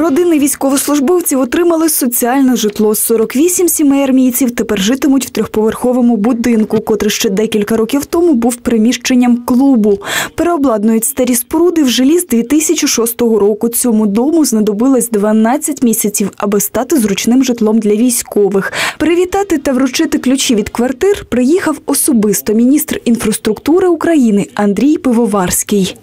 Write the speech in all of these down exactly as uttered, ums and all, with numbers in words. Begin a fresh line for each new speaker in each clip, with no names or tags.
Родини військовослужбовців отримали соціальне житло. сорок вісім сімей армійців тепер житимуть в трьохповерховому будинку, котрий ще декілька років тому був приміщенням клубу. Переобладнують старі споруди в жилі з дві тисячі шостого року. Цьому дому знадобилось дванадцять місяців, аби стати зручним житлом для військових. Привітати та вручити ключі від квартир приїхав особисто міністр інфраструктури України Андрій Пивоварський.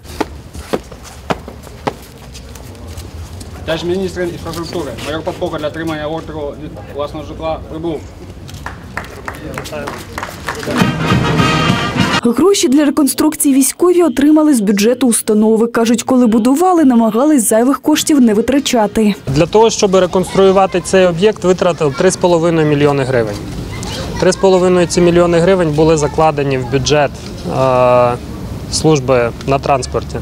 Товариш міністр інфраструктури, майор Попко для отримання ордеру від власного житла прибув.
Гроші для реконструкції військові отримали з бюджету установи. Кажуть, коли будували, намагались зайвих коштів не витрачати.
Для того, щоб реконструювати цей об'єкт, витратили три з половиною мільйони гривень. три з половиною ці мільйони гривень були закладені в бюджет е, служби на транспорті. Е,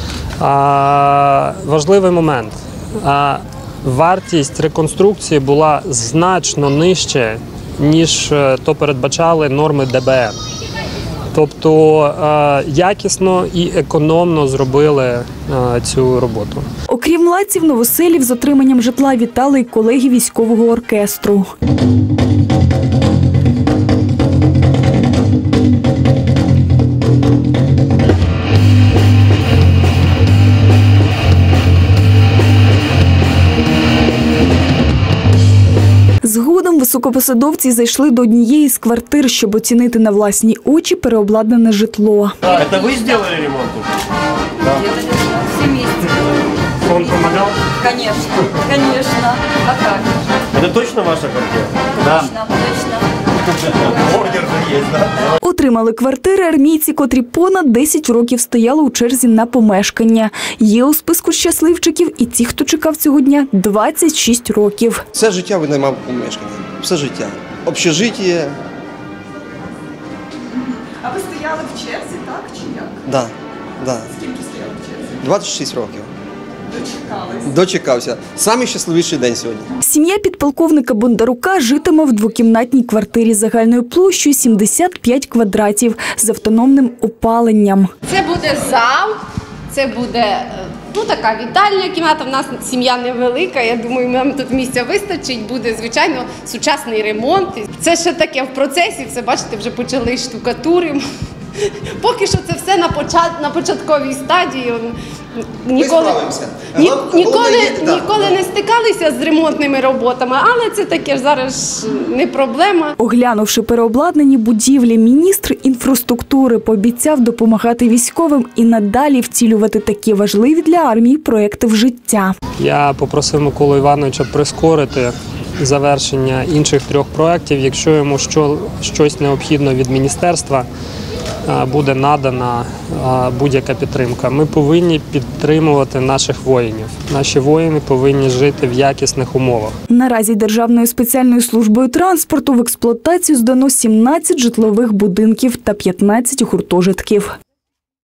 важливий момент. Е, вартість реконструкції була значно нижче, ніж то передбачали норми Д Б Н. Тобто е, якісно і економно зробили е, цю роботу.
Окрім младців, новоселів з отриманням житла вітали й колеги військового оркестру. Згодом високопосадовці зайшли до однієї з квартир, щоб оцінити на власні очі переобладнане житло.
Це ви зробили ремонт?
Так. Всі місці.
Он допомагав?
Звісно, звісно. А як?
Це точно ваша квартира?
Точно, точно.
Ордер же є, так?
Отримали квартири армійці, котрі понад десять років стояли у черзі на помешкання. Є у списку щасливчиків і ті, хто чекав цього дня двадцять шість років.
Все життя винаймав помешкання. Все життя. Общежиття.
А ви стояли в черзі, так чи як?
Да, да.
Скільки стояли в черзі?
двадцять шість років.
Дочекались.
Дочекався. Самий щасливіший день сьогодні.
Сім'я підполковника Бондарука житиме в двокімнатній квартирі загальною площею сімдесят п'ять квадратів з автономним опаленням.
Це буде зал, це буде ну, така вітальня кімната. В нас сім'я невелика, я думаю, нам тут місця вистачить. Буде, звичайно, сучасний ремонт. Це ще таке в процесі, все, бачите, вже почали штукатуримо. Поки що це все на, почат, на початковій стадії. Ніколи, ні, ніколи, ніколи не стикалися з ремонтними роботами, але це таке зараз не проблема.
Оглянувши переобладнані будівлі, міністр інфраструктури пообіцяв допомагати військовим і надалі втілювати такі важливі для армії проекти в життя.
Я попросив Миколу Івановича прискорити завершення інших трьох проєктів. Якщо йому що, щось необхідно від міністерства, буде надана будь-яка підтримка. Ми повинні підтримувати наших воїнів. Наші воїни повинні жити в якісних умовах.
Наразі Державною спеціальною службою транспорту в експлуатацію здано сімнадцять житлових будинків та п'ятнадцять гуртожитків.